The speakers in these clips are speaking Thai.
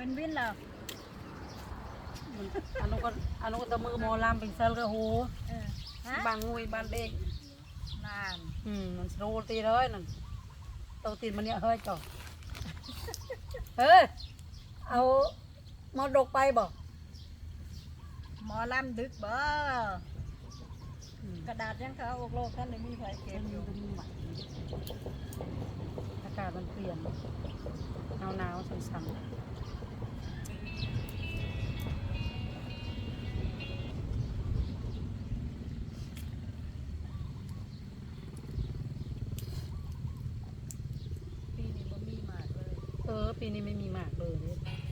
เป็นวินเหรออันนู้นก็ตะมือหมอลำเป็นเซลก็โหบางงุยบางเด็กนานมันโรตีเลยนั่นโตตีมันเนี่ยเฮ้ยจ่อเฮ้ยเอามอดกไปบอกหมอลำดึกบ่กระดาษยังเขาอกโลกท่านเลยมีไฟเก็บอยู่อากาศมันเปลี่ยนหนาวสั่นปีนี้บ่มีมากเลยปีนี้ไม่มีหมากเลย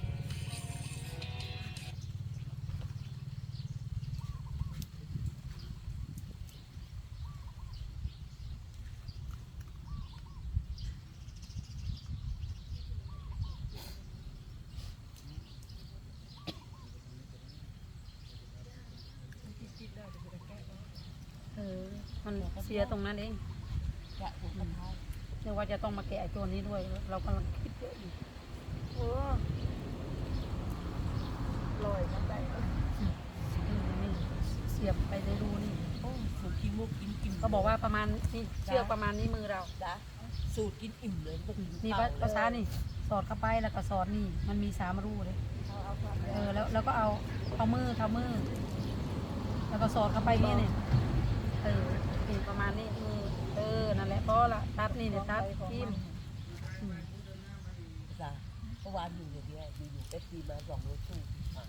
มันเสียตรงนั้นเองเรียกว่าจะต้องมาแกะตัวนี้ด้วยเรากำลังคิดเยอะอยู่ลอยมาได้นี่เสียบไปในรูนี่สูตรกินมุกกินเขาบอกว่าประมาณนี่เชือกประมาณนี้มือเราสูตรกินอิ่มเลยพวกนี่ภาษานี่สอดเข้าไปแล้วก็สอดนี่มันมี3 รูเลยแล้วก็เอามือแล้วก็สอดเข้าไปนี่เนี่ยนี่ประมาณนี้มือนั่นแหละพอละตัดนี่เนี่ยตัดทิ่มเมื่อวานอยู่อย่างเดียวอยู่เอฟซีมา2 รถตู้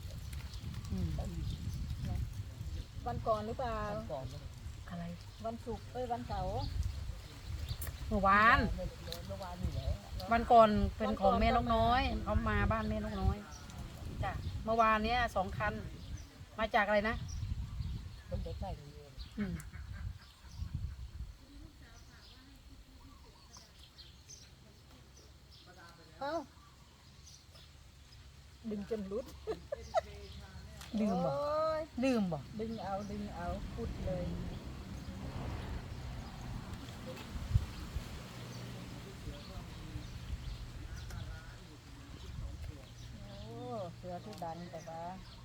วันก่อนหรือเปล่าก่อนอะไรวันศุกร์วันเสาร์เมื่อวานอยู่แล้ววันก่อนเป็นของแม่นกน้อยเขามาบ้านแม่นกน้อยจ้ะเมื่อวานเนี้ย2 คันมาจากอะไรนะมันใกล้ๆกันเลยดึงจนรุดลืมบ่ดึงเอาพุดเลยเสือที่ดันแต่ว่า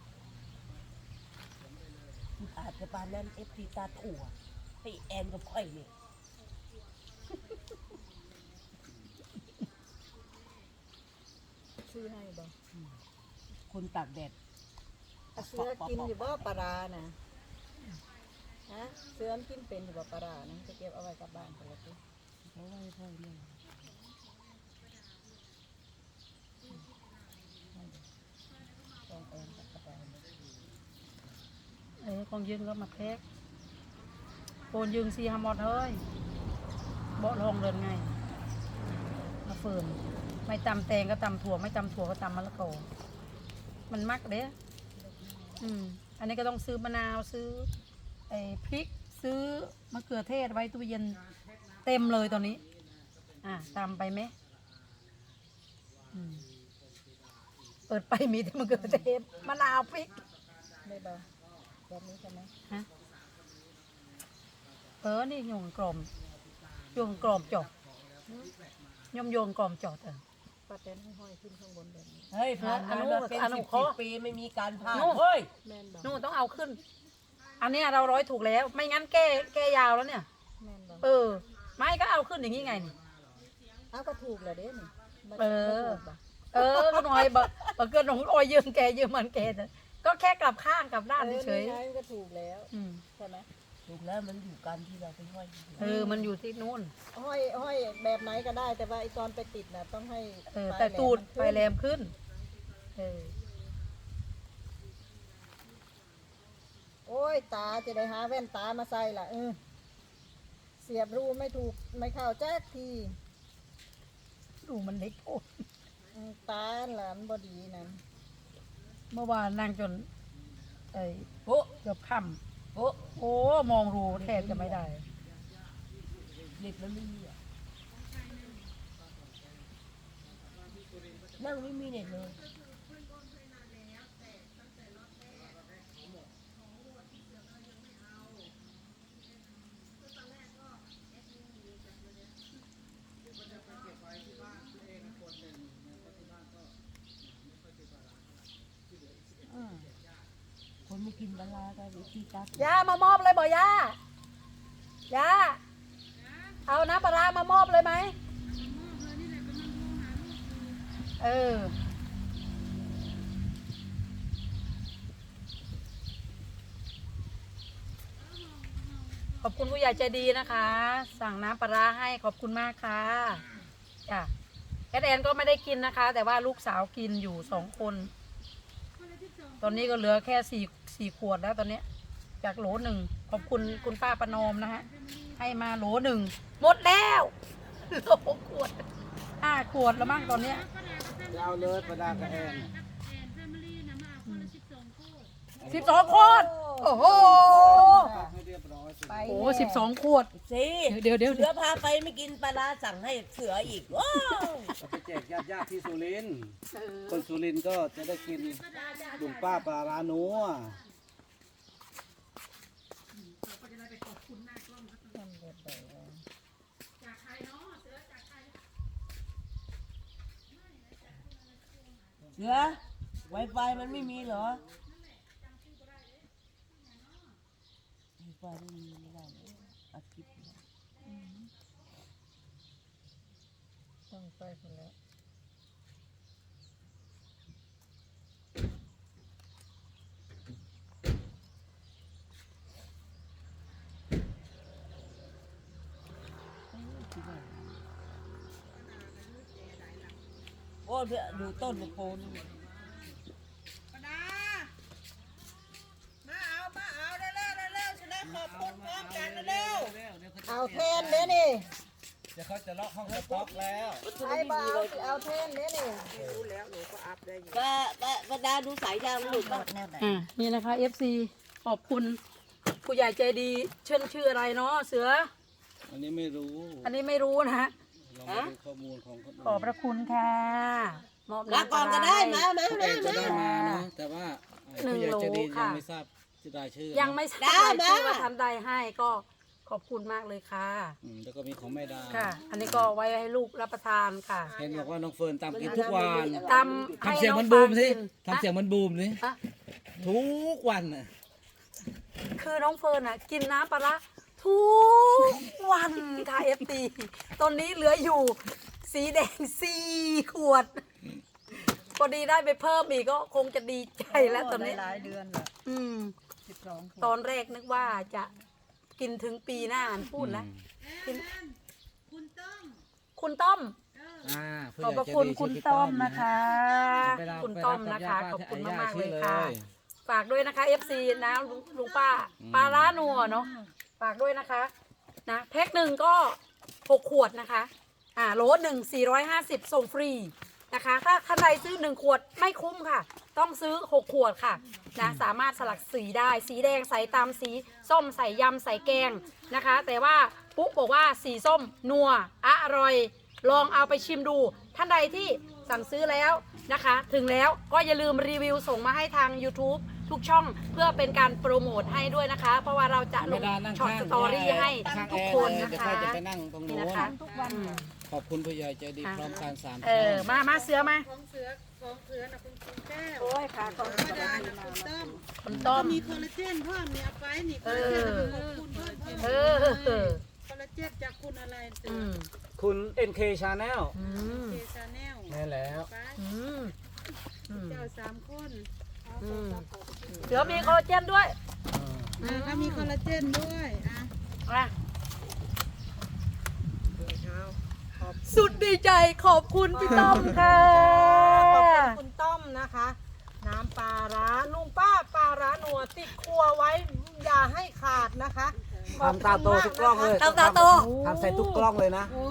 อาจจะปานนั้นเอฟซีตาถั่วให้แอนกับค่อยเนี่ยซื้อให้บ่คนตากแดดเสือกินอยู่บ่ปลานะฮะเสือกินเป็นอยู่บ่ปลานะจะเก็บเอาไว้กับบ้านกันเลยทีเขาไว้พ่อเนี่ยของยืนก็มาแพ็กโอนยืงซีฮามอดเฮ้ยเบาะลงเดินไงมาเฟิร์นไม่ตำแตงก็ตำถั่วไม่ตำถั่วก็ตำมะละกอมันมักเด้อันนี้ก็ต้องซื้อมะนาวซื้อพริกซื้อมะเขือเทศไว้ตู้เย็นเต็มเลยตอนนี้ตำไปไหมเปิดไปมีแต่มะเขือเทศมะนาวพริกได้บ่แบบนี้ใช่ไหมฮะนี่โยงกลมจบโยงกลมจบปลาเต้นห้อยขึ้นข้างบนแบบนี้เฮ้ยผ่านมาเป็น10 ปีไม่มีการผ่านเฮ้ยนู่นต้องเอาขึ้นอันนี้เราร้อยถูกแล้วไม่งั้นแก้ยาวแล้วเนี่ยไม่ก็เอาขึ้นอย่างนี้ไงนี่เอาก็ถูกเลยเด้นี่ก็หน่อยบักเกินหนองอ้อยยืมแกยืมมันแกก็แค่กลับข้างกลับด้านเฉยก็ถูกแล้วใช่ไหมถูกแล้วมันอยู่การที่เราไปห้อยมันอยู่ที่นู่นห้อยแบบไหนก็ได้แต่ว่าไอตอนไปติดน่ะต้องให้แต่ตูดไฟแรมขึ้นโอ้ยตาจะได้หาแว่นตามาใส่ล่ะเสียบรูไม่ถูกไม่เข้าแจ๊กทีรูมันเล็กโอ้ตาหลานบดีนั่นเมื่อวานนั่งจนเกือบค่ำมองรูแทบจะไม่ได้เด็กมันไม่มีนั่งไม่มีเน็ตเลยกินปลาร้ากับเอฟซีตาถั่วย่ามามอบเลยบ่ย่าย่าเอาน้ำปลาร้ามามอบเลยไหมเออขอบคุณผู้ใหญ่ใจดีนะคะ สั่งน้ำปลาร้าให้ขอบคุณมากค่ะจ้ะแอดแอนก็ไม่ได้กินนะคะ แต่ว่าลูกสาวกินอยู่2 คน ตอนนี้ก็เหลือแค่สี่ขวดแล้วตอนนี้จากโหล 1ขอบคุณคุณป้าประนอมนะฮะให้มาโหล 1หมดแล้วเหลือ6 ขวด5 ขวดแล้วมั้งตอนเนี้ยจะเอาเลยประดากับแอน 12 ขวดโอ้โหให้เรียบร้อยสิไปโอ้12 ขวดสิเดี๋ยวเสือพาไปไม่กินปลาร้าสั่งให้เสืออีกว้าวเอาไปแจกญาติที่สุรินทร์คนสุรินทร์ก็จะได้กินลุงป้าปลาร้านัวเสือ Wi-Fi มันไม่มีเหรอ Wi-Fi ไม่มีไม่ได้เลยอัดคลิปต้องไปคนแล้วโอ้เดี๋ยวดูต้นในโพนเอาแทนเด้นี่เดี๋ยวเขาจะล็อกห้องสต็อกแล้วไอ้บ่าวสิเอาแทนเด้นี่ป้าดาดูสายยางหลุดป่ะนี่นะคะ FC ขอบคุณผู้ใหญ่ใจดีชื่ออะไรเนาะเสืออันนี้ไม่รู้อันนี้ไม่รู้นะฮะเรามาดูข้อมูลของคนขอบพระคุณค่ะมอบลาก่อนก็ได้มาเองจะได้มานะแต่ว่าผู้ใหญ่ใจะดียังไม่ทราบจะได้ชื่อยังไม่ทราบชื่อว่าทำใดให้ก็ขอบคุณมากเลยค่ะแล้วก็มีของแม่ดาค่ะ อันนี้ก็ไว้ให้ลูกรับประทานค่ะเห็นบอกว่าน้องเฟิร์นตามกินทุกวันตำให้ทำเสียงน้อมันงบูฟางมสิกินทำเสียงมันบูมสิฮะทุกวันน่ะคือน้องเฟิร์นอ่ะกินน้ำปลาร้าทุกวันค่ะ FT ตอนนี้เหลืออยู่สีแดง4 ขวดพอดีได้ไปเพิ่มอีกก็คงจะดีใจแล้วตอนนี้หลายเดือนละอืม 12 ตอนแรกนึกว่าจะกินถึงปีหน้าพูดนะกินคุณต้อมผู้ขอบใหพญ่ระใจคุณดีคุณชื่อพี่ต้อมนะคะไปรับคุณต้อมไปรับนะคะญาติขอบคุณญาติมากๆชื่เลอยค่ะเลยฝากด้วยนะคะ FC นะลุงป้าปลาร้านัวเนาะฝากด้วยนะคะนะแพ็ค 1ก็6 ขวดนะคะโหล 1 450ส่งฟรีนะคะถ้าท่านใดซื้อ1 ขวดไม่คุ้มค่ะ ต้องซื้อ6 ขวดค่ะนะสามารถสลักสีได้สีแดงใส่ตามสีส้มใส่ยำใส่แกงนะคะ แต่ว่าปุ๊กบอกว่าสีส้มนัวอร่อย ลองเอาไปชิมดูท่านใดที่สั่งซื้อแล้วนะคะ ถึงแล้วก็อย่าลืมรีวิวส่งมาให้ทาง YouTube ทุกช่องเพื่อเป็นการโปรโมทให้ด้วยนะคะ เพราะว่าเราจะลไม่งได้นั่งช็อตข้างสตอรี่ให้ข้างทุกแอร์คนเลยนะเดี๋ยวคะค่อยจะไปนั่งตรงนี่โน้นนะคะอืมขอบคุณผู้ใหญ่ใจดีพร้อมการสามมาเสือมาของเสือนะคุณแก้วโอ้ยค่ะขอบธรรมดานะคุณต้มคุณต้อมมีคอลลาเจนเพิ่มเนี่ยเอาไปนี่คอลลาเจนขอบคุณเพิ่มเออคอลลาเจนจากคุณอะไรเสือือมคุณ NK Channel อืมเจชาแนลแม่แล้วไปอืมอืมเจ้า3 คนเอาอืมขอบคุณเสือมีคอลลาเจนด้วยถ้ามีคอลลาเจนด้วยอ่ะอ่ะสุดดีใจขอบคุณพี่ต้อมค่ะขอบคุณคุณต้อมนะคะ น้ำปลาร้าลุงป้าปลาร้าหนัวติดครัวไว้อย่าให้ขาดนะคะขอบทำตาโตทุกกล้องเลยตาโตทำใส่ทุกกล้องเลยนะโอ้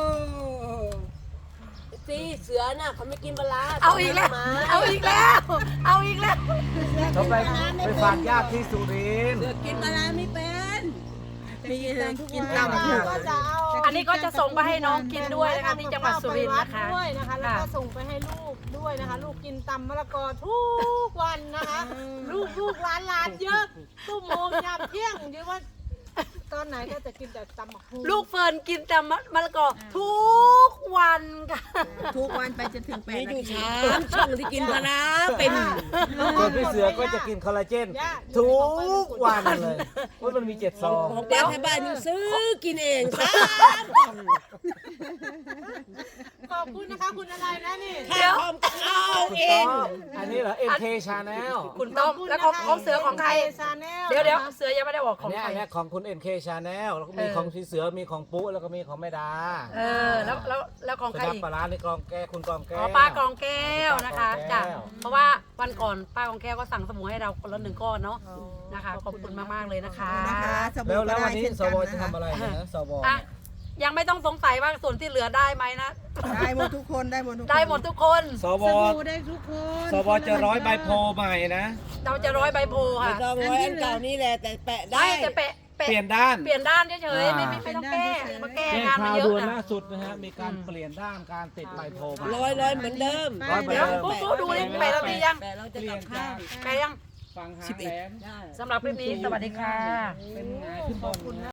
สิเสือน่ะเขาไม่กินปลาร้าเอาอีกแล้ว เอาอีกแล้ว เอาอีกแล้วต้องไปฝากญาติที่สุรินทร์เสือกินปลาร้าไม่เป็นมีกินป้าตามก็จะเอาอันนี้ก็จะส่งไปให้น้องกินด้วยนะคะที่จังหวัดสุรินทร์นะคะด้วยนะคะแล้วก็ส่งไปให้ลูกด้วยนะคะ ลูกกินตำมะละกอทุกวันนะคะ ลูกหลานเยอะตุ้มโมงยามเที่ยงเดี๋ยวว่าตอนไหนก็จะกินแต่ตำบักหุ่งลูกเฟิร์นกินแต่มะละกอทุกวันค่ะทุกวันไปจนถึง8 มีนาอยู่ทีช้างช่องที่กินพะน้าเป็นส่วนพี่เสือก็จะกินคอลลาเจนทุกวันเลยว่ามันมี7 ซองของป้าที่บ้านยังซื้อกินเองซ้ขอบคุณนะคะคุณอะไรนะนี่ำข้าวหอมก็เอาเองอันนี้เหรอ MK Channel คุณต้อมแล้วของเสือของใครชาแนลเดี๋ยวเสือยังไม่ได้บอกขอัอน งเนี้ยใครอันเนี้ยของคุณ MK Channel แล้วก็มีของพี่เสือมีของปุ๊แล้วก็มีของแม่ดาแล้วของสุใครนัขอีกปลาร้าในกองแก้วคุณกองแก้วอ๋อป้ากองแก้วนะคะป้ากองแก้วจ้ะเพราะว่าวันก่อนป้ากองแก้วก็สั่งสมุนให้เราคนละ1 ก้อนเนาะนะคะขอบคุณมากๆเลยนะคะนะคะสบู่แล้วก็วันได้นี้เช่นสกันวนะจะคะทำอะไรนะสวอ่ะยังไม่ต้องสงสัยว่าส่วนที่เหลือได้ไหมนะได้หมดทุกคนได้หมดทุกคนได้หมดทุกคนสวสบู่ได้ทุกคนสวจะร้อยใบโพลใหม่นะเราจะร้อยใบโพไม่ค่ะต้องร้อยอันเก่านี่แหละแต่แปะได้ได้แต่เปะเปลี่ยนด้านเปลี่ยนด้านเฉยๆไม่อ่าต้องแก้มาแก้แจ้งงานข่ามันวเยอะด่วนนะล่าสุดนะฮะมีการเปลี่ยนด้านการติดใบโพลใหม่ร้อยเหมือนเดิมร้อยเหมือนเดี๋ยวเดิมปุ๊บดูนี่แปะแล้วดียังแปะเราจะเปลี่กยลันบข้าวแปะยังฟังหางแหลมสำหรับคลิปนี้สวัสดีค่ะเป็นไงขึ้นบน